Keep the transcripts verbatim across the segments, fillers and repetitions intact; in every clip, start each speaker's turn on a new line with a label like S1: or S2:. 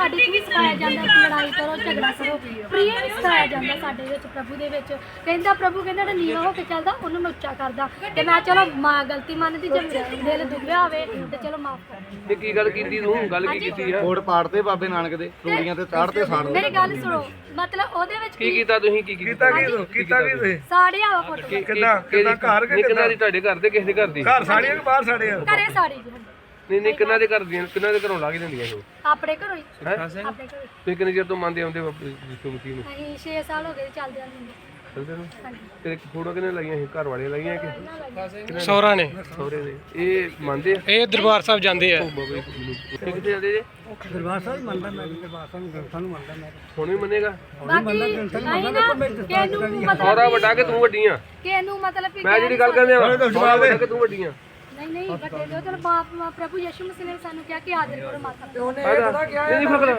S1: ਸਾਡੇ 'ਚ ਵੀ ਸਿਖਾਇਆ ਜਾਂਦਾ ਕਿ ਲੜਾਈ ਕਰੋ, ਝਗੜਾ ਕਰੋ, ਪ੍ਰਿਯ ਵੀ ਸਿਖਾਇਆ ਜਾਂਦਾ ਸਾਡੇ ਵਿੱਚ ਪ੍ਰਭੂ ਦੇ ਵਿੱਚ। ਕਹਿੰਦਾ ਪ੍ਰਭੂ ਕਹਿੰਦਾ ਜਿਹੜਾ ਨੀਵਾਂ ਹੋ ਕੇ ਚੱਲਦਾ ਉਹਨੂੰ ਮੈਂ ਉੱਚਾ ਕਰਦਾ। ਤੇ ਮੈਂ ਚਲੋ ਮਾਂ ਗਲਤੀ ਮੰਨਦੀ, ਜੇ ਦਿਲ ਦੁਖਿਆ ਹੋਵੇ ਤੇ ਚਲੋ ਮਾਫ ਕਰ।
S2: ਤੇ ਕੀ ਗੱਲ ਕੀਤੀ ਤੂੰ? ਗੱਲ ਕੀ ਕੀਤੀ ਆ?
S3: ਕੋਟ ਪਾੜਦੇ ਬਾਬੇ ਨਾਨਕ ਦੇ, ਰੂੜੀਆਂ ਤੇ ਚਾੜਦੇ ਸਾੜ
S1: ਮੇਰੀ ਗੱਲ ਸੁਣੋ, ਮਤਲਬ ਉਹਦੇ ਵਿੱਚ
S2: ਕੀ ਕੀਤਾ ਤੁਸੀਂ? ਕੀ ਕੀਤਾ?
S4: ਕੀਤਾ ਕੀਤਾ ਕੀ ਤੁਸੀਂ
S1: ਸਾੜਿਆ ਵਾ ਫੋਟੋ
S4: ਕਿੱਦਾਂ ਕਿੱਦਾਂ ਘਰ ਕੇ
S2: ਕਿੰਨਾ ਦੀ? ਤੁਹਾਡੇ ਘਰ ਦੇ? ਕਿਸੇ ਦੇ ਘਰ ਦੀ?
S4: ਘਰ ਸਾੜੀਆਂ ਕਿ ਬਾਹਰ ਸਾੜੀਆਂ?
S1: ਘਰੇ ਸਾੜੀ ਜੀ
S2: ਨਹੀਂ ਨਹੀਂ, ਕਿੰਨਾ ਦੇ ਘਰ ਦੀਆਂ? ਕਿੰਨਾ ਦੇ ਘਰੋਂ ਲਾ ਕੇ ਦਿੰਦੀਆਂ ਇਹ?
S1: ਆਪਣੇ ਘਰੋਂ ਹੀ,
S2: ਹੈ
S1: ਆਪਣੇ ਘਰੋਂ ਹੀ।
S2: ਤੁਸੀਂ ਕਿੰਨੇ ਚਿਰ ਤੋਂ ਮੰਨਦੇ ਆਉਂਦੇ ਯਿਸੂ ਮਸੀਹ ਨੂੰ?
S1: ਅਸੀਂ ਛੇ ਸਾਲ ਹੋ ਗਏ ਚੱਲਦੇ ਆਂ ਨੂੰ।
S2: ਚਲਦੇ ਨੂੰ?
S1: ਹਾਂਜੀ
S2: ਤੇ ਫੋਟੋ ਕਿਹਨੇ ਲਾਈਆਂ ਸੀ? ਘਰ ਵਾਲੇ ਲਾਈਆਂ ਕਿ
S5: ਸਹੁਰਾ ਨੇ?
S2: ਸਹੁਰੇ ਨੇ। ਇਹ ਮੰਨਦੇ ਆ?
S5: ਇਹ ਦਰਬਾਰ ਸਾਹਿਬ ਜਾਂਦੇ ਆ।
S2: ਕਿੱਥੇ ਜਾਂਦੇ ਜੇ?
S4: ਦਰਬਾਰ ਸਾਹਿਬ ਮੰਨਦਾ ਮੈਂ, ਦਰਬਾਰ ਸਾਹਿਬ ਗ੍ਰੰਥਾਂ ਨੂੰ ਮੰਨਦਾ ਮੈਂ।
S2: ਹੁਣ ਵੀ ਮੰਨੇਗਾ?
S1: ਬਾਕੀ ਨਹੀਂ ਨਾ ਕਿਹਨੂੰ ਮਤਲਬ
S2: ਸਹੁਰਾ ਵੱਡਾ ਕਿ ਤੂੰ ਵੱਡੀ ਆ?
S1: ਕਿਹਨੂੰ ਮਤਲਬ ਕਿ
S2: ਮੈਂ ਜਿਹੜੀ ਗੱਲ ਕਰਦੇ ਆ ਸਹੁਰਾ ਵੱਡਾ ਕਿ ਤੂੰ ਵੱਡੀ ਆ?
S1: ਨਹੀਂ ਨਹੀਂ ਵੱਡੇ ਜੋ ਚਲ ਬਾਪ ਪ੍ਰਭੂ ਯਿਸੂ ਮਸੀਹ ਨੇ ਸਾਨੂੰ ਕਿਹਾ ਕਿ ਆਦਰ ਕਰੋ ਮਾਤਾ ਪਿਓ
S2: ਨਹੀਂ ਨਹੀਂ ਫਕਰ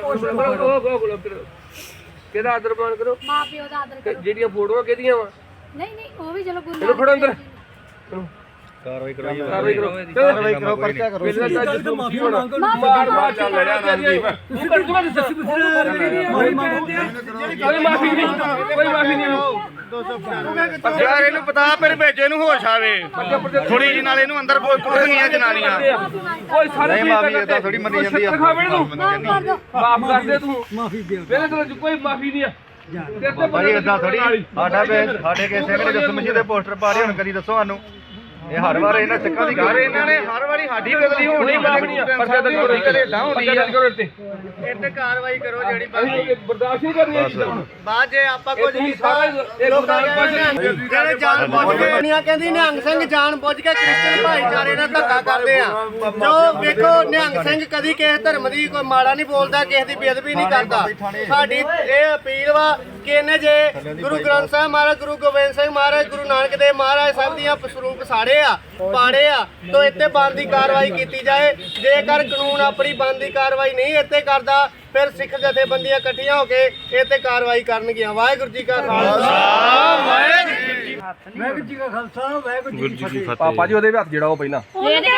S2: ਕਿਹਦਾ ਆਦਰ ਮਾਨ ਕਰੋ?
S1: ਮਾਂ ਪਿਓ ਦਾ ਆਦਰ ਕਰੋ।
S2: ਜਿਹੜੀਆਂ ਫੋਟੋਆਂ ਕਿਹਦੀਆਂ ਵਾ?
S1: ਨਹੀਂ ਨਹੀਂ ਉਹ ਵੀ ਚਲੋ ਗੁਰੂ
S2: ਚਲੋ ਖੜੋ ਅੰਦਰ।
S3: ਕਾਰਵਾਈ ਕਰਾਈ
S2: ਕਾਰਵਾਈ ਕਰੋ।
S3: ਕਾਰਵਾਈ ਕਰੋ, ਪਰਚਾ ਕਰੋ।
S2: ਮਾਰ ਮਾਰ ਚੱਲ ਰਿਹਾ ਨੰਦੀਪ। ਤੂੰ ਕਰ ਜਮਾ ਦੱਸ। ਕੋਈ ਮਾਫੀ ਨਹੀਂ, ਕੋਈ ਮਾਫੀ ਨਹੀਂ।
S3: ਯਾਰ ਇਹਨੂੰ ਪਤਾ ਫਿਰ ਭੇਜੇ ਨੂੰ ਹੋਸ਼ ਆਵੇ ਥੋੜੀ ਜੀ, ਨਾਲ ਇਹਨੂੰ ਅੰਦਰ ਪੁੱਟਣੀਆਂ ਜਨਾਨੀਆਂ।
S2: ਕੋਈ ਸਾਰੇ
S3: ਨਹੀਂ ਮਾਫੀ ਏਦਾਂ ਥੋੜੀ ਮੰਨੀ ਜਾਂਦੀ ਆ।
S2: ਮਾਫ ਕਰ ਦੇ ਤੂੰ। ਮਾਫੀ ਦੇ ਮੇਰੇ ਕੋਲ ਕੋਈ ਮਾਫੀ ਨਹੀਂ ਆ।
S3: ਭਾਈ ਏਦਾਂ ਥੋੜੀ ਸਾਡਾ ਸਾਡੇ ਕੇ ਸਿੰਘ ਨੇ ਯਿਸੂ ਮਸੀਹ ਦੇ ਪੋਸਟਰ ਪਾ ਰਹੇ ਹੁਣ ਕਦੀ ਦੱਸੋ ਸਾਨੂੰ। ਇਹ ਹਰ ਵਾਰ ਇਹਨਾਂ ਸਿੱਖਾਂ ਦੀ ਗੱਲ ਇਹਨਾਂ ਨੇ ਹਰ ਵਾਰੀ ਸਾਡੀ ਬਦਲੀ ਹੋਣੀ
S2: ਮਾਫੀ ਆ। ਪਰਚਾ ਦਰਜ ਕਰੋ,
S3: ਘਰੇਲਾ ਹੁੰਦੀ ਆ।
S2: ਕਰੋ ਇੱਥੇ
S3: ਇੱਥੇ ਕਾਰਵਾਈ ਕਰੋ ਜਿਹੜੀ
S2: ਅਸੀਂ ਬਰਦਾਸ਼ਤ ਨਹੀਂ ਕਰਨੀ ਇਹ ਚੀਜ਼ਾਂ।
S3: ਬਾਅਦ ਜੇ ਆਪਾਂ ਕੁਝ
S2: ਤੁਸੀਂ ਸਾਰਾ ਇਹ ਗੁਰਦਾਨ
S3: ਜਿਹੜੇ ਜਾਣ ਬੁੱਝ ਕੇ ਦੁਨੀਆ ਕਹਿੰਦੀ ਨਿਹੰਗ ਸਿੰਘ ਜਾਣ ਬੁੱਝ ਕੇ ਕ੍ਰਿਸਚਨ ਭਾਈਚਾਰੇ ਨਾਲ ਧੱਕਾ ਕਰਦੇ ਆ। ਜੋ ਵੇਖੋ ਨਿਹੰਗ ਸਿੰਘ ਕਦੀ ਕਿਸੇ ਧਰਮ ਦੀ ਕੋਈ ਮਾੜਾ ਨਹੀਂ ਬੋਲਦਾ, ਕਿਸੇ ਦੀ ਬੇਅਦਬੀ ਨਹੀਂ ਕਰਦਾ। ਸਾਡੀ ਇਹ ਅਪੀਲ ਵਾ ਕਿ ਇਹਨੇ ਜੇ ਗੁਰੂ ਗ੍ਰੰਥ ਸਾਹਿਬ ਮਹਾਰਾਜ, ਗੁਰੂ ਗੋਬਿੰਦ ਸਿੰਘ ਮਹਾਰਾਜ, ਗੁਰੂ ਨਾਨਕ ਦੇਵ ਮਹਾਰਾਜ ਸਾਹਿਬ ਦੀਆਂ ਸਰੂਪ ਸਾੜੇ ਆ, ਪਾੜੇ ਆ, ਤਾਂ ਇੱਥੇ ਬਣਦੀ ਕਾਰਵਾਈ ਕੀਤੀ ਜਾਏ। ਜੇਕਰ ਕਾਨੂੰਨ ਆਪਣੀ ਬਣਦੀ ਕਾਰਵਾਈ ਨਹੀਂ ਇੱਥੇ ਕਰਦਾ, ਫਿਰ ਸਿੱਖ ਜਥੇਬੰਦੀਆਂ ਇਕੱਠੀਆਂ ਹੋ ਕੇ ਇੱਥੇ ਕਾਰਵਾਈ ਕਰਨਗੀਆਂ। ਵਾਹਿਗੁਰੂ ਜੀ ਕਾ ਖਾਲਸਾ,
S4: ਵਾਹਿਗੁਰੂ ਜੀ ਕਾ ਖਾਲਸਾ, ਵਾਹਿਗੁਰੂ ਜੀ ਕੀ ਫਤਿਹ।
S2: ਪਾਪਾ ਜੀ ਉਹਦੇ ਵੀ ਹੱਥ ਜਿਹੜਾ ਉਹ ਪਹਿਲਾਂ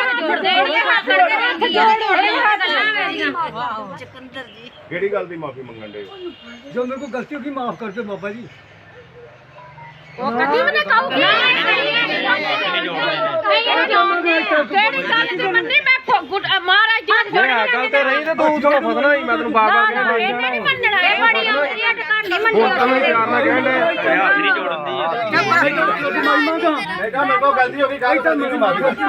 S3: ਕਿਹੜੀ ਗੱਲ ਦੀ ਮਾਫੀ ਮੰਗਣ ਦੇ?
S4: ਜੋ ਮੇਰੇ ਕੋਲ ਗਲਤੀ ਹੋ ਗਈ ਮਾਫ ਕਰ ਦਿਓ ਬਾਬਾ ਜੀ।
S1: ਉਹ ਕਦੀ ਵੀ ਨਾ ਕਹੂਗੀ ਕਿਹੜੀ ਗੱਲ ਤੇ ਮੰਨੀ ਮੈਂ ਮਹਾਰਾਜ ਜੀ
S2: ਜੇ ਆ ਗੱਲ ਤੇ ਰਹੀ ਤੇ ਤੂੰ ਚਲੋ ਫਸਣਾ ਹੀ। ਮੈਂ ਤੈਨੂੰ ਬਾਰ-ਬਾਰ ਕਹਿਣਾ
S1: ਇਹਨੇ ਨਹੀਂ ਮੰਨਣਾ, ਇਹ ਬੜੀ ਆਉਂਦੀ ਹੈ ਘਰ ਨਹੀਂ ਮੰਨਣਾ।
S2: ਹੁਣ ਤਾਂ ਮੈਂ ਪਿਆਰ ਨਾਲ ਕਹਿਣ ਦੇ ਹੱਥ ਨਹੀਂ ਜੋੜਦੀ ਆ।
S3: ਮੈਂ ਕਹਾਂ ਮੇਰੇ ਕੋਲ ਗਲਤੀ ਹੋ ਗਈ, ਗੱਲ ਤਾਂ ਮੇਰੀ ਮਾਫੀ ਕਰ।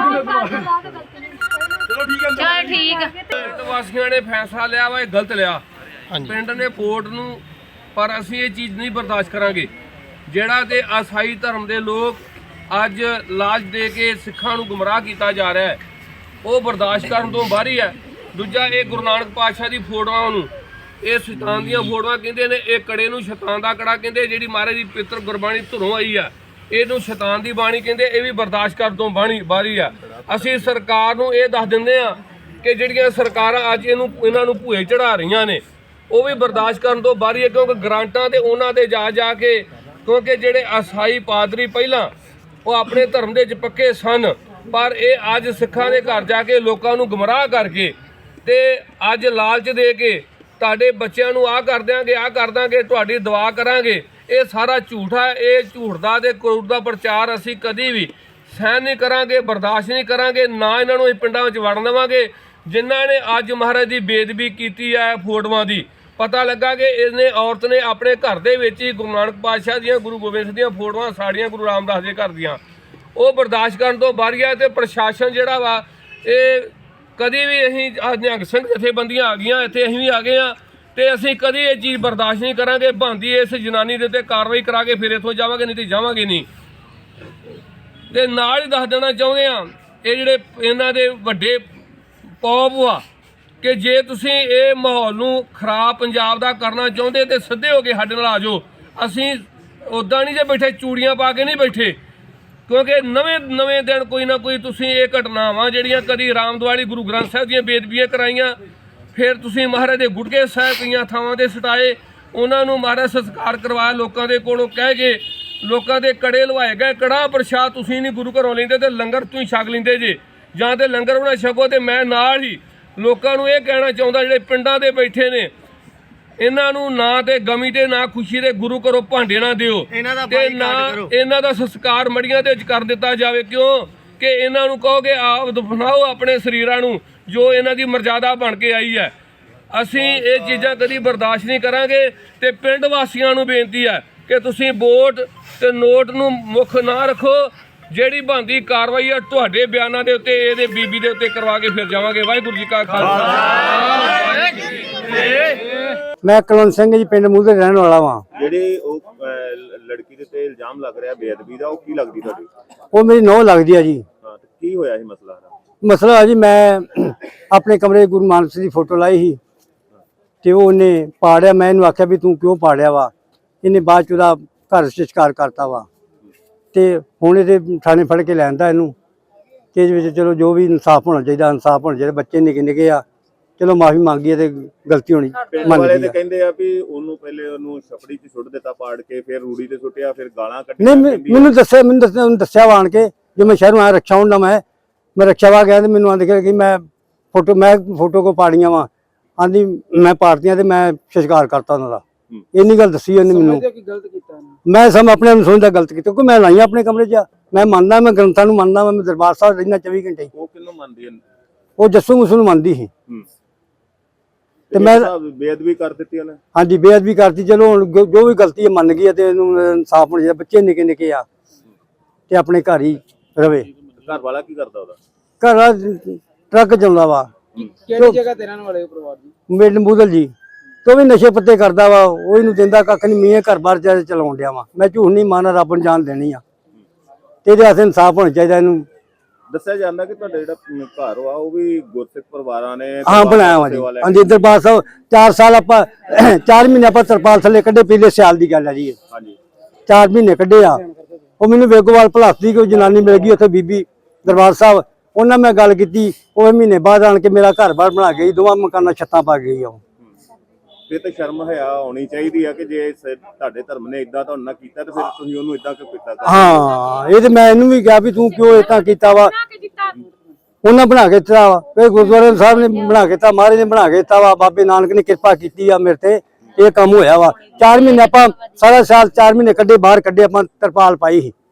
S2: ਚਲੋ ਠੀਕ ਹੈ।
S1: ਚਲ ਠੀਕ ਹੈ।
S2: ਪਿੰਡ ਵਾਸੀਆਂ ਨੇ ਫੈਸਲਾ ਲਿਆ ਵਾ, ਇਹ ਗਲਤ ਲਿਆ ਪਿੰਡ ਨੇ ਕੋਰਟ ਨੂੰ, ਪਰ ਅਸੀਂ ਇਹ ਚੀਜ਼ ਨਹੀਂ ਬਰਦਾਸ਼ਤ ਕਰਾਂਗੇ। ਜਿਹੜਾ ਤੇ ਈਸਾਈ ਧਰਮ ਦੇ ਲੋਕ ਅੱਜ ਲਾਜ ਦੇ ਕੇ ਸਿੱਖਾਂ ਨੂੰ ਗੁੰਮਰਾਹ ਕੀਤਾ ਜਾ ਰਿਹਾ ਹੈ, ਉਹ ਬਰਦਾਸ਼ਤ ਕਰਨ ਤੋਂ ਬਾਹਰ ਹੀ ਹੈ। ਦੂਜਾ, ਇਹ ਗੁਰੂ ਨਾਨਕ ਪਾਤਸ਼ਾਹ ਦੀ ਫੋਟੋਆਂ ਨੂੰ, ਇਹ ਸ਼ੈਤਾਨ ਦੀਆਂ ਫੋਟੋਆਂ ਕਹਿੰਦੇ ਨੇ। ਇਹ ਕੜੇ ਨੂੰ ਸ਼ੈਤਾਨ ਦਾ ਕੜਾ ਕਹਿੰਦੇ। ਜਿਹੜੀ ਮਹਾਰਾਜ ਦੀ ਪਿੱਤਰ ਗੁਰਬਾਣੀ ਧੁਰੋਂ ਆਈ ਆ, ਇਹਨੂੰ ਸ਼ੈਤਾਨ ਦੀ ਬਾਣੀ ਕਹਿੰਦੇ। ਇਹ ਵੀ ਬਰਦਾਸ਼ਤ ਕਰਨ ਤੋਂ ਬਾਣੀ ਬਾਹਰੀ ਆ। ਅਸੀਂ ਸਰਕਾਰ ਨੂੰ ਇਹ ਦੱਸ ਦਿੰਦੇ ਆ ਕਿ ਜਿਹੜੀਆਂ ਸਰਕਾਰਾਂ ਅੱਜ ਇਹਨੂੰ ਇਹਨਾਂ ਨੂੰ ਭੂਏ ਚੜਾ ਰਹੀਆਂ ਨੇ, ਉਹ ਵੀ ਬਰਦਾਸ਼ਤ ਕਰਨ ਤੋਂ ਬਾਹਰੀ ਹੈ। ਕਿਉਂਕਿ ਗ੍ਰਾਂਟਾਂ ਤੇ ਉਹਨਾਂ ਦੇ ਜਾ ਜਾ ਕੇ, ਕਿਉਂਕਿ ਜਿਹੜੇ ਈਸਾਈ ਪਾਦਰੀ ਪਹਿਲਾਂ ਉਹ ਆਪਣੇ ਧਰਮ ਦੇ ਵਿੱਚ ਪੱਕੇ ਸਨ, ਪਰ ਇਹ ਅੱਜ ਸਿੱਖਾਂ ਦੇ ਘਰ ਜਾ ਕੇ ਲੋਕਾਂ ਨੂੰ ਗੁੰਮਰਾਹ ਕਰਕੇ ਤੇ ਅੱਜ ਲਾਲਚ ਦੇ ਕੇ ਤੁਹਾਡੇ ਬੱਚਿਆਂ ਨੂੰ ਆਹ ਕਰ ਦਿਆਂਗੇ, ਆਹ ਕਰ ਦਾਂਗੇ, ਤੁਹਾਡੀ ਦੁਆ ਕਰਾਂਗੇ, ਇਹ ਸਾਰਾ ਝੂਠ ਹੈ। ਇਹ ਝੂਠ ਦਾ ਤੇ ਕਰੂਰ ਦਾ ਪ੍ਰਚਾਰ ਅਸੀਂ ਕਦੀ ਵੀ ਸਹਿਣ ਨਹੀਂ ਕਰਾਂਗੇ, ਬਰਦਾਸ਼ਤ ਨਹੀਂ ਕਰਾਂਗੇ। ਨਾ ਇਹਨਾਂ ਨੂੰ ਅਸੀਂ ਪਿੰਡਾਂ ਵਿੱਚ ਵੜਨ ਦੇਵਾਂਗੇ। ਜਿਨ੍ਹਾਂ ਨੇ ਅੱਜ ਮਹਾਰਾਜ ਦੀ ਬੇਅਦਬੀ ਕੀਤੀ ਹੈ ਫੋਟੋਆਂ ਦੀ, ਪਤਾ ਲੱਗਾ ਕਿ ਇਹਨੇ ਔਰਤ ਨੇ ਆਪਣੇ ਘਰ ਦੇ ਵਿੱਚ ਹੀ ਗੁਰੂ ਨਾਨਕ ਪਾਤਸ਼ਾਹ ਦੀਆਂ, ਗੁਰੂ ਗੋਬਿੰਦ ਸਿੰਘ ਦੀਆਂ ਫੋਟੋਆਂ ਸਾੜੀਆਂ, ਗੁਰੂ ਰਾਮਦਾਸ ਦੇ ਘਰ ਦੀਆਂ। ਉਹ ਬਰਦਾਸ਼ਤ ਕਰਨ ਤੋਂ ਬਾਹਰ ਆ। ਤੇ ਪ੍ਰਸ਼ਾਸਨ ਜਿਹੜਾ ਵਾ, ਇਹ ਕਦੀ ਵੀ ਅਸੀਂ ਨਿਹੰਗ ਸਿੰਘ ਜਥੇਬੰਦੀਆਂ ਆ ਗਈਆਂ ਇੱਥੇ, ਅਸੀਂ ਵੀ ਆ ਗਏ ਹਾਂ, ਤੇ ਅਸੀਂ ਕਦੀ ਇਹ ਚੀਜ਼ ਬਰਦਾਸ਼ਤ ਨਹੀਂ ਕਰਾਂਗੇ। ਬਣਦੀ ਇਸ ਜਨਾਨੀ ਦੇ ਉੱਤੇ ਕਾਰਵਾਈ ਕਰਾ ਕੇ ਫਿਰ ਇੱਥੋਂ ਜਾਵਾਂਗੇ, ਨਹੀਂ ਤੇ ਜਾਵਾਂਗੇ ਨਹੀਂ। ਤੇ ਨਾਲ ਹੀ ਦੱਸ ਦੇਣਾ ਚਾਹੁੰਦੇ ਹਾਂ, ਇਹ ਜਿਹੜੇ ਇਹਨਾਂ ਦੇ ਵੱਡੇ ਪੌਪ ਆ ਕਿ ਜੇ ਤੁਸੀਂ ਇਹ ਮਾਹੌਲ ਨੂੰ ਖਰਾਬ ਪੰਜਾਬ ਦਾ ਕਰਨਾ ਚਾਹੁੰਦੇ ਤੇ ਸਿੱਧੇ ਹੋ ਕੇ ਸਾਡੇ ਨਾਲ ਆ ਜਾਓ। ਅਸੀਂ ਉੱਦਾਂ ਨਹੀਂ ਜੇ ਬੈਠੇ, ਚੂੜੀਆਂ ਪਾ ਕੇ ਨਹੀਂ ਬੈਠੇ, ਕਿਉਂਕਿ ਨਵੇਂ ਨਵੇਂ ਦਿਨ ਕੋਈ ਨਾ ਕੋਈ ਤੁਸੀਂ ਇਹ ਘਟਨਾਵਾਂ ਜਿਹੜੀਆਂ ਕਦੀ ਰਾਮਦਵਾਲੀ ਗੁਰੂ ਗ੍ਰੰਥ ਸਾਹਿਬ ਦੀਆਂ ਬੇਦਬੀਆਂ ਕਰਾਈਆਂ, ਫਿਰ ਤੁਸੀਂ ਮਹਾਰਾਜ ਦੇ ਗੁਟਕੇ ਸਾਹਿਬ ਕਈਆਂ ਥਾਵਾਂ ਦੇ ਸਟਾਏ, ਉਹਨਾਂ ਨੂੰ ਮਹਾਰਾਜ ਸੰਸਕਾਰ ਕਰਵਾਇਆ ਲੋਕਾਂ ਦੇ ਕੋਲੋਂ ਕਹਿ ਕੇ, ਲੋਕਾਂ ਦੇ ਕੜੇ ਲਵਾਏ ਗਏ। ਕੜਾਹ ਪ੍ਰਸ਼ਾਦ ਤੁਸੀਂ ਨਹੀਂ ਗੁਰੂ ਘਰੋਂ ਲੈਂਦੇ ਤੇ ਲੰਗਰ ਤੁਸੀਂ ਛਕ ਲੈਂਦੇ ਜੇ, ਜਾਂ ਤੇ ਲੰਗਰ ਬਣਾ ਛਕੋ। ਤੇ ਮੈਂ ਨਾਲ ਹੀ ਲੋਕਾਂ ਨੂੰ ਇਹ ਕਹਿਣਾ ਚਾਹੁੰਦਾ ਜਿਹੜੇ ਪਿੰਡਾਂ ਦੇ ਬੈਠੇ ਨੇ, ਇਹਨਾਂ ਨੂੰ ਨਾ ਤੇ ਗਮੀ ਤੇ ਨਾ ਖੁਸ਼ੀ ਦੇ ਗੁਰੂ ਘਰੋਂ ਭਾਂਡੇ ਨਾ ਦਿਓ
S3: ਇਹਨਾਂ ਦਾ
S2: ਤੇ
S3: ਬਾਈਕਾਟ
S2: ਨਾ
S3: ਕਰੋ।
S2: ਇਹਨਾਂ ਦਾ ਸੰਸਕਾਰ ਮੜੀਆਂ ਦੇ ਵਿੱਚ ਕਰ ਦਿੱਤਾ ਜਾਵੇ। ਕਿਉਂ ਕਿ ਇਹਨਾਂ ਨੂੰ ਕਹੋਗੇ ਆਪ ਦਫਨਾਓ ਆਪਣੇ ਸਰੀਰਾਂ ਨੂੰ ਜੋ ਇਹਨਾਂ ਦੀ ਮਰਜ਼ਾਦਾ ਬਣ ਕੇ ਆਈ ਹੈ। ਅਸੀਂ ਇਹ ਚੀਜ਼ਾਂ ਕਦੀ ਬਰਦਾਸ਼ਤ ਨਹੀਂ ਕਰਾਂਗੇ ਤੇ ਪਿੰਡ ਵਾਸੀਆਂ ਨੂੰ ਬੇਨਤੀ ਹੈ ਕਿ ਤੁਸੀਂ ਵੋਟ ਤੇ ਨੋਟ ਨੂੰ ਮੁੱਖ ਨਾ ਰੱਖੋ। ਜਿਹੜੀ ਬਣਦੀ ਕਾਰਵਾਈ ਹੈ ਤੁਹਾਡੇ ਬਿਆਨਾਂ ਦੇ ਉੱਤੇ ਇਹਦੇ ਬੀਬੀ ਦੇ ਉੱਤੇ ਕਰਵਾ ਕੇ ਫਿਰ ਜਾਵਾਂਗੇ। ਵਾਹਿਗੁਰੂ ਜੀ ਕਾ ਖਾਲਸਾ।
S4: ਮੈਂ ਕੁਲਵੰਤ ਸਿੰਘ ਜੀ ਪਿੰਡ ਮੂਹਰੇ ਰਹਿਣ ਵਾਲਾ ਵਾਂ।
S5: ਜਿਹੜੇ ਉਹ ਅਹ, ਲੜਕੀ ਦੇ ਤੇ ਇਲਜ਼ਾਮ ਲੱਗ ਰਿਹਾ ਬੇਅਦਬੀ ਦਾ, ਉਹ ਕੀ ਲੱਗਦੀ ਤੁਹਾਡੀ?
S4: ਉਹ ਮੇਰੀ ਨੌਂ ਲੱਗਦੀ ਆ ਜੀ।
S5: ਹਾਂ ਤੇ ਕੀ ਹੋਇਆ ਇਹ ਮਸਲਾ?
S4: ਮਸਲਾ ਆ ਜੀ, ਮੈਂ ਆਪਣੇ ਕਮਰੇ ਗੁਰੂ ਨਾਨਕ ਦੀ ਫੋਟੋ ਲਾਈ ਸੀ ਤੇ ਉਹ ਉਹਨੇ ਪਾੜਿਆ। ਮੈਂ ਇਹਨੂੰ ਆਖਿਆ ਵੀ ਤੂੰ ਕਿਉਂ ਪਾੜਿਆ ਵਾ? ਇਹਨੇ ਬਾਅਦ ਚ ਉਹਦਾ ਘਰ ਸੰਸਕਾਰ ਕਰਤਾ ਵਾ ਤੇ ਹੁਣ ਇਹਦੇ ਥਾਣੇ ਫੜ ਕੇ ਲੈਂਦਾ ਇਹਨੂੰ ਤੇ ਇਹਦੇ ਵਿੱਚ ਚਲੋ ਜੋ ਵੀ ਇਨਸਾਫ ਹੋਣਾ ਚਾਹੀਦਾ, ਇਨਸਾਫ ਹੋਣਾ ਚਾਹੀਦਾ। ਬੱਚੇ ਨਿੱਕੇ ਨਿੱਕੇ ਆ, ਚਲੋ ਮਾਫੀ ਮੰਗੀ ਤੇ ਗਲਤੀ ਹੋਣੀ
S5: ਪਿੰਡ
S4: ਮੰਨ
S5: ਵਾਲੇ
S4: ਗਈ
S5: ਤੇ
S4: ਆ।
S5: ਕਹਿੰਦੇ ਆ ਵੀ ਉਹਨੂੰ ਪਹਿਲੇ ਉਹਨੂੰ ਛਪੜੀ 'ਚ ਸੁੱਟ ਦਿੱਤਾ ਪਾੜ ਕੇ, ਫਿਰ ਰੂੜੀ ਤੇ ਸੁੱਟਿਆ, ਫਿਰ ਗਾਲਾਂ
S4: ਨਹੀਂ
S5: ਕੱਢੀਆਂ।
S4: ਮੈਂ-
S5: ਕਹਿੰਦੀ
S4: ਮੈਨੂੰ ਦੱਸਿਆ ਮੈਨੂੰ ਦੱਸਿਆ ਉਹਨੂੰ ਦੱਸਿਆ ਵਾ ਆਣ ਕੇ, ਜੋ ਮੈਂ ਸ਼ਹਿਰੋਂ ਆਇਆ ਰਕਸ਼ਾ ਹੁੰਦਾ ਮੈਂ ਮੈਂ ਰਕਸ਼ਾ ਵਾ ਗਿਆ ਤੇ ਮੈਨੂੰ ਆਂਦੇ ਕਿ ਮੈਂ ਫੋਟੋ ਮੈਂ ਫੋਟੋ ਕੋ ਪਾੜੀਆਂ ਵਾ, ਆਂਦੀ ਮੈਂ ਪਾੜਤੀਆਂ ਤੇ ਮੈਂ ਸੰਸਕਾਰ ਕਰਤਾ ਉਹਨਾਂ ਦਾ। ਇੰਨੀ ਗੱਲ ਦੱਸੀ ਉਹਨੇ ਮੈਨੂੰ। ਮੈਂ ਸਮ ਆਪਣੇ ਨੂੰ ਸਮਝਦਾ ਗਲਤ ਕੀਤਾ ਕਿਉਂਕਿ ਮੈਂ ਲਾਈਆਂ ਆਪਣੇ ਕਮਰੇ 'ਚ। ਮੈਂ ਮੰਨਦਾ, ਮੈਂ ਗ੍ਰੰਥਾਂ ਨੂੰ ਮੰਨਦਾ, ਮੈਂ ਦਰਬਾਰ ਸਾਹਿਬ ਰਹਿਣਾ ਚੌਵੀ ਘੰਟੇ।
S5: ਉਹ ਕਿੰਨੂੰ ਮੰਨਦੀ ਹੈ?
S4: ਉਹ ਜੱਸੂ ਮੁਸੂ ਨੂੰ ਮੰਨਦੀ ਸੀ
S5: ਹੂੰ
S4: ਤੇ ਮੈਂ
S5: ਬੇਅਦਬੀ ਕਰ ਦਿੱਤੀ ਉਹਨੇ।
S4: ਹਾਂਜੀ ਬੇਅਦਬੀ ਕਰਤੀ। ਚਲੋ ਹੁਣ ਜੋ ਜੋ ਵੀ ਗਲਤੀ ਹੈ ਮੰਨ ਗਈ ਹੈ ਤੇ ਇਹਨੂੰ ਇਨਸਾਫ ਹੋਣਾ ਚਾਹੀਦਾ। ਬੱਚੇ ਨਿੱਕੇ ਨਿੱਕੇ ਆ ਤੇ ਆਪਣੇ ਘਰ ਹੀ ਰਵੇ।
S5: ਘਰ ਵਾਲਾ ਕੀ ਕਰਦਾ ਉਹਦਾ?
S4: ਘਰ ਆ ਟਰੱਕ ਚਲਾਉਂਦਾ ਵਾ।
S6: ਕਿਹੜੀ ਜਗ੍ਹਾ ਤੇ ਰਹਿਣ ਵਾਲੇ ਹੋ ਪਰਿਵਾਰ ਦੀ?
S4: ਮੇਡ ਬੂਦਲ ਜੀ ਤੋਂ ਵੀ ਨਸ਼ੇ ਪੱਤੇ ਕਰਦਾ ਵਾ। ਉਹ ਇਹਨੂੰ ਦਿੰਦਾ ਕੱਖ ਨਹੀਂ। ਮੀਂਹ ਘਰ ਬਾਰ ਚ ਚਲਾਉਣ ਡਿਆ ਵਾ। ਮੈਂ ਝੂਠ ਨਹੀਂ ਮਾਰਨਾ, ਰੱਬ ਨੂੰ ਜਾਨ ਦੇਣੀ ਆ ਤੇ ਇਹਦੇ ਵਾਸਤੇ ਇਨਸਾਫ ਹੋਣਾ ਚਾਹੀਦਾ। ਇਹਨੂੰ
S5: ਦੱਸਿਆ ਜਾਂਦਾ ਕਿ ਤੁਹਾਡਾ ਜਿਹੜਾ ਘਰ ਵਾ ਉਹ ਵੀ ਗੁਰਸਿੱਖ ਪਰਿਵਾਰਾਂ ਨੇ
S4: ਹਾਂ ਬਣਾਇਆ ਵਾ ਜੀ। ਹਾਂਜੀ ਦਰਬਾਰ ਸਾਹਿਬ ਚਾਰ ਸਾਲ ਆਪਾਂ ਚਾਰ ਮਹੀਨੇ ਆਪਾਂ ਤਰਪਾਲ ਥੱਲੇ ਕੱਢੇ। ਪਿਛਲੇ ਸਿਆਲ ਦੀ ਗੱਲ ਹੈ ਜੀ।
S5: ਹਾਂਜੀ
S4: ਚਾਰ ਮਹੀਨੇ ਕੱਢੇ ਆ। ਉਹ ਮੈਨੂੰ ਵੇਗੋਵਾਲ ਭਲਾਸਦੀ ਕੋਈ ਜਨਾਨੀ ਮਿਲ ਗਈ ਉੱਥੇ ਬੀਬੀ ਦਰਬਾਰ ਸਾਹਿਬ। ਉਹਨਾਂ ਮੈਂ ਗੱਲ ਕੀਤੀ, ਉਹ ਮਹੀਨੇ ਬਾਅਦ ਆਣ ਕੇ ਮੇਰਾ ਘਰ ਬਾਰ ਬਣਾ ਗਈ। ਦੋਵਾਂ ਮਕਾਨਾਂ ਛੱਤਾਂ ਪਾ ਗਈ ਆ।
S5: ਇਹ ਤਾਂ ਸ਼ਰਮ ਹਿਆ ਹੋਣੀ ਚਾਹੀਦੀ ਆ ਕਿ ਜੇ ਸ- ਤੁਹਾਡੇ ਧਰਮ ਨੇ ਇਦਾਂ ਤੁਹਾਡੇ ਨਾਲ ਕੀਤਾ ਤੇ ਫਿਰ ਤੁਸੀਂ ਉਹਨੂੰ ਇਦਾਂ ਕਿਉਂ ਕੀਤਾ?
S4: ਹਾਂ ਇਹ ਤੇ ਮੈਂ ਇਹਨੂੰ ਵੀ ਕਿਹਾ ਵੀ ਤੂੰ ਕਿਉਂ ਏਦਾਂ ਕੀਤਾ ਵਾ। ਉਹਨਾਂ ਬਣਾ ਕੇ ਦਿੱਤਾ ਵਾ। ਇਹ ਗੁਰਦੁਆਰੇ ਸਾਹਿਬ ਨੇ ਬਣਾ ਕੇ ਦਿੱਤਾ, ਮਹਾਰਾਜ ਨੇ ਬਣਾ ਕੇ ਦਿੱਤਾ ਵਾ। ਬਾਬੇ ਨਾਨਕ ਨੇ ਕਿਰਪਾ ਕੀਤੀ ਆ ਮੇਰੇ ਤੇ, ਇਹ ਕੰਮ ਹੋਇਆ ਵਾ। ਚਾਰ ਮਹੀਨੇ ਆਪਾਂ ਸਾਰਾ ਸਾਲ ਚਾਰ ਮਹੀਨੇ ਕੱਢੇ, ਬਾਹਰ ਕੱਢੇ, ਆਪਾਂ ਤਰਪਾਲ ਪਾਈ ਸੀ।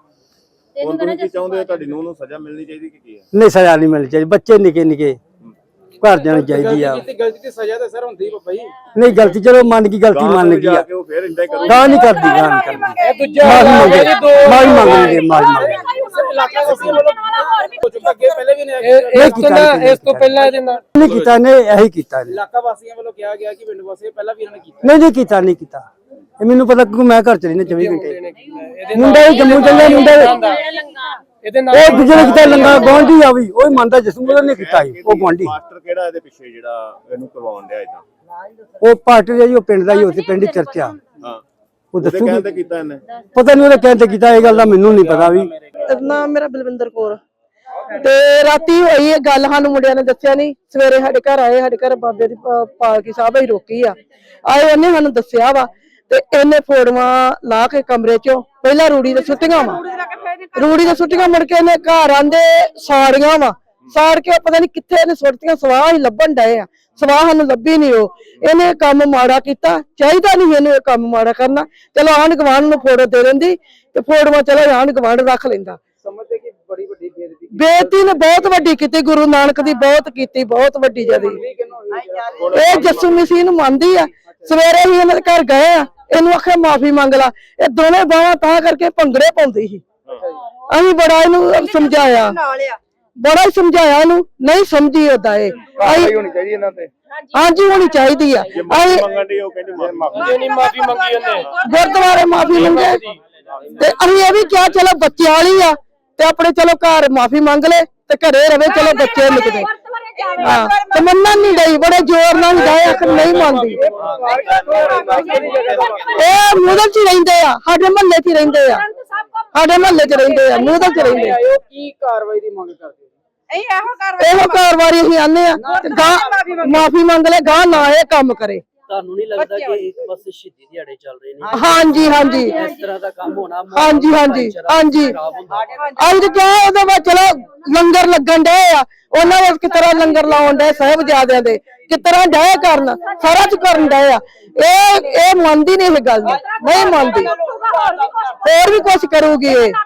S5: ਹੁਣ ਤੁਸੀਂ ਕੀ ਚਾਹੁੰਦੇ ਹੋ? ਤੁਹਾਡੀ ਨੂੰਹ ਨੂੰ ਸਜ਼ਾ ਮਿਲਣੀ ਚਾਹੀਦੀ ਕਿ ਕੀ ਹੈ?
S4: ਨਹੀਂ ਸਜ਼ਾ ਨਹੀਂ ਮਿਲਣੀ ਚਾਹੀਦੀ। ਬੱਚੇ ਨਿੱਕੇ ਨਿੱਕੇ ਘਰ ਜਾਣੀ ਚਾਹੀਦੀ ਆ।
S6: ਕੀਤੀ ਗਲਤੀ ਤੇ ਸਜ਼ਾ ਤਾਂ ਸਰ ਹੁੰਦੀ ਬਾਬਾ ਜੀ।
S4: ਨਹੀਂ ਗਲਤੀ ਚਲੋ ਮੰਨ ਗਈ, ਗਲਤੀ ਮੰਨ ਗਈ ਆ।
S5: ਕਿ ਉਹ ਫਿਰ ਇੰਦਾ ਹੀ ਕਰੂਗਾ।
S4: ਗਾਂ ਨਹੀਂ ਕਰਦੀ, ਗਾਂ ਨਹੀਂ ਕਰਦੀ।
S6: ਇਹ ਦੂਜਾ
S4: ਮਾਫੀ ਮੰਗੇ, ਮਾਫੀ ਮੰਗਣਗੇ, ਮਾਫੀ ਮੰਗਣਗੇ।
S6: ਇਲਾਕਾ ਵਾਸੀ ਵੱਲੋਂ ਹੋ ਚੁੱਕਾ, ਅੱਗੇ ਪਹਿਲੇ ਵੀ ਨੇ
S4: ਇਹ ਕੀਤਾ
S6: ਇਸ ਤੋਂ ਪਹਿਲਾਂ ਇਹਦੇ ਨਾਲ
S4: ਨਹੀਂ ਕੀਤਾ ਨੇ, ਇਹੀ ਕੀਤਾ ਨੇ।
S6: ਇਲਾਕਾ ਵਾਸੀਆਂ ਵੱਲੋਂ ਕਿਹਾ ਗਿਆ ਕਿ ਪਿੰਡ ਵਾਸੀ ਪਹਿਲਾਂ ਵੀ ਇਹਨਾਂ ਨੇ ਕੀਤਾ।
S4: ਨਹੀਂ ਨਹੀਂ ਕੀਤਾ, ਨਹੀਂ ਕੀਤਾ। ਇਹ ਮੈਨੂੰ ਪਤਾ ਕਿਉਂਕਿ ਮੈਂ ਘਰ ਚ ਰਹਿਣਾ ਚੌਵੀ ਘੰਟੇ। ਮੁੰਡਾ ਵੀ ਜੰਮੂ ਚੱਲਿਆ, ਮੁੰਡਾ
S6: ਇਹਦੇ ਨਾਲ
S4: ਉਹ ਦੂਜੇ ਨੇ ਕੀਤਾ ਲੰਗਾ ਗੁਆਂਢੀ ਆ ਵੀ, ਉਹ ਮੰਨਦਾ ਜਿਸਮ ਨੇ ਕੀਤਾ ਸੀ ਉਹ ਗੁਆਂਢੀ।
S5: ਮਾਸਟਰ ਕਿਹੜਾ ਇਹਦੇ ਪਿੱਛੇ ਜਿਹੜਾ ਇਹਨੂੰ ਕਰਵਾਉਣ ਡਿਆ ਇਦਾਂ?
S4: ਉਹ ਪਾਰਟੀ ਦਾ ਜੀ, ਉਹ ਪਿੰਡ ਦਾ ਹੀ, ਉੱਥੇ ਪਿੰਡ ਹੀ ਚਰਚਾ।
S5: ਹਾਂ
S4: ਉਹ
S5: ਉਹਦੇ
S4: ਦੱਸੂਗੀ,
S5: ਕਹਿੰਦੇ ਕੀਤਾ ਇਹਨੇ।
S4: ਪਤਾ ਨਹੀਂ ਉਹਨੇ ਕਹਿੰਦੇ ਕੀਤਾ। ਇਹ ਗੱਲ ਦਾ ਮੈਨੂੰ ਨਹੀਂ ਪਤਾ ਵੀ।
S7: ਨਾਮ ਮੇਰਾ ਬਲਵਿੰਦਰ ਕੌਰ। ਤੇ ਰਾਤੀ ਹੋਈ ਇਹ ਗੱਲ, ਸਾਨੂੰ ਮੁੰਡਿਆਂ ਨੇ ਦੱਸਿਆ ਨਹੀਂ। ਸਵੇਰੇ ਸਾਡੇ ਘਰ ਆਏ, ਸਾਡੇ ਘਰ ਬਾਬੇ ਦੀ ਪਾ- ਪਾਲਕੀ ਸਾਹਿਬ ਹੀ ਰੋਕੀ ਆ। ਆਏ ਉਹਨੇ ਸਾਨੂੰ ਦੱਸਿਆ ਵਾ ਤੇ ਇਹਨੇ ਫੋੜਵਾ ਲਾ ਕੇ ਕਮਰੇ ਚੋਂ ਪਹਿਲਾਂ ਰੂੜੀ ਦੇ ਸੁੱਟੀਆਂ ਵਾ, ਰੂੜੀ ਦੇ ਸੁੱਟੀਆਂ ਮੁੜ ਕੇ ਇਹਨੇ ਘਰ ਆਂਦੇ ਸਾੜੀਆਂ ਵਾ, ਸਾੜ ਕੇ ਪਤਾ ਨਹੀਂ ਕਿੱਥੇ ਇਹਨੇ ਸੁੱਟੀਆਂ। ਸਵਾਹ ਹੀ ਲੱਭਣ ਡਏ ਆ, ਸਵਾਹ ਸਾਨੂੰ ਲੱਭੀ ਨਹੀਂ। ਉਹ ਇਹਨੇ ਕੰਮ ਮਾੜਾ ਕੀਤਾ, ਚਾਹੀਦਾ ਨਹੀਂ ਇਹਨੂੰ ਇਹ ਕੰਮ ਮਾੜਾ ਕਰਨਾ। ਚਲੋ ਆਂਢ ਗੁਆਂਢ ਨੂੰ ਫੋਟੋ ਦੇ ਦਿੰਦੀ ਤੇ ਫੋਟੋਆਂ ਚਲੋ ਆਂਢ ਗੁਆਂਢ ਰੱਖ ਲੈਂਦਾ।
S6: ਸਮਝਦੇ ਕਿ ਬੜੀ ਵੱਡੀ ਬੇਇੱਜ਼ਤੀ
S7: ਬੇਇੱਜ਼ਤੀ ਨੇ ਬਹੁਤ ਵੱਡੀ ਕੀਤੀ, ਗੁਰੂ ਨਾਨਕ ਦੀ ਬਹੁਤ ਕੀਤੀ, ਬਹੁਤ ਵੱਡੀ ਜਦੀ। ਇਹ ਜੱਸੂ ਮਸੀਹ ਨੂੰ ਮੰਨਦੀ ਆ। ਸਵੇਰੇ ਹੀ ਇਹਨਾਂ ਦੇ ਘਰ ਗਏ ਆ, ਇਹਨੂੰ ਆਖਿਆ ਮਾਫੀ ਮੰਗ ਲਾ। ਇਹ ਦੋਵੇਂ ਬਾਹਾਂ ਤਾਂ ਕਰਕੇ ਭੰਗੜੇ ਪਾਉਂਦੀ ਸੀ। ਅਸੀਂ ਬੜਾ ਇਹਨੂੰ ਸਮਝਾਇਆ, ਬੜਾ ਹੀ ਸਮਝਾਇਆ ਇਹਨੂੰ, ਨਹੀਂ ਸਮਝੀ ਓਦਾਂ ਇਹ।
S5: ਹੋਣੀ ਚਾਹੀਦੀ ਇਹਨਾਂ ਤੇ।
S7: ਹਾਂਜੀ ਹੋਣੀ ਚਾਹੀਦੀ ਆ। ਅਸੀਂ
S5: ਮੰਗਣ ਦੀ ਉਹ ਕਹਿੰਦੀ ਮਾਫੀ
S6: ਨਹੀਂ ਮਾਫੀ ਮੰਗੀ ਉਹਨੇ।
S7: ਗੁਰਦੁਆਰੇ ਮਾਫੀ ਮੰਗੇ ਤੇ ਅਸੀਂ ਇਹ ਵੀ ਕਿਹਾ ਚਲੋ ਬੱਚੇ ਵਾਲੀ ਆ ਤੇ ਆਪਣੇ ਚਲੋ ਘਰ ਮਾਫੀ ਮੰਗ ਲੈ ਤੇ ਘਰੇ ਰਵੇ, ਚਲੋ ਬੱਚੇ ਨਿਕਦੇ। ਹਾਂ ਤੇ ਮੰਨਣ ਨਹੀਂ ਡਈ, ਬੜੇ ਜ਼ੋਰ ਨਾਲ ਗਏ, ਆਖਰ ਨਹੀਂ ਮੰਨਦੀ। ਇਹ ਮੂਦਲ ਚ ਰਹਿੰਦੇ ਆ, ਸਾਡੇ ਮਹੱਲੇ ਚ ਰਹਿੰਦੇ ਆ, ਸਾਡੇ ਮਹੱਲੇ ਚ ਰਹਿੰਦੇ ਆ, ਮੂਦਲ ਚ ਰਹਿੰਦੇ ਆ।
S6: ਉਹ ਕੀ ਕਾਰਵਾਈ ਦੀ ਮੰਗ ਕਰਦੇ ਹੋ?
S7: ਇਹੋ ਕਾਰਵਾਈ ਅਸੀਂ ਆਨੇ ਆ ਤੇ ਗਾਂ ਮਾਫੀ ਮੰਗ ਲੈ, ਗਾਂ ਨਾ ਇਹ ਕੰਮ ਕਰੇ।
S6: ਤੁਹਾਨੂੰ ਨਹੀਂ ਲੱਗਦਾ ਕਿ ਇੱਕ ਪਾਸੇ ਸ਼ਹੀਦੀ ਦਿਹਾੜੇ ਚੱਲ ਰਹੇ ਨੇ,
S7: ਹਾਂਜੀ ਹਾਂਜੀ
S6: ਇਸ ਤਰ੍ਹਾਂ ਦਾ ਕੰਮ ਹੋਣਾ
S7: ਹਾਂਜੀ ਹਾਂਜੀ ਹਾਂਜੀ ਅੱਜ ਕਿਹਾ ਉਹਦੇ ਵਿੱਚ ਚਲੋ ਲੰਗਰ ਲੱਗਣ ਡਏ ਆ, ਉਹਨਾਂ ਵਿੱਚ ਕਿਸ ਤਰ੍ਹਾਂ ਲੰਗਰ ਲਾਉਣ ਡਏ ਸਾਹਿਬਜ਼ਾਦਿਆਂ ਦੇ, ਕਿਸ ਤਰ੍ਹਾਂ ਡਏ ਕਰਨ, ਸਾਰਾ ਚ ਕਰਨ ਡਏ ਆ। ਇਹ ਇਹ ਮੰਨਦੀ ਨਹੀਂ ਇਹ ਗੱਲ ਨੂੰ, ਨਹੀਂ ਮੰਨਦੀ, ਹੋਰ ਵੀ ਕੁਛ ਕਰੂਗੀ ਇਹ।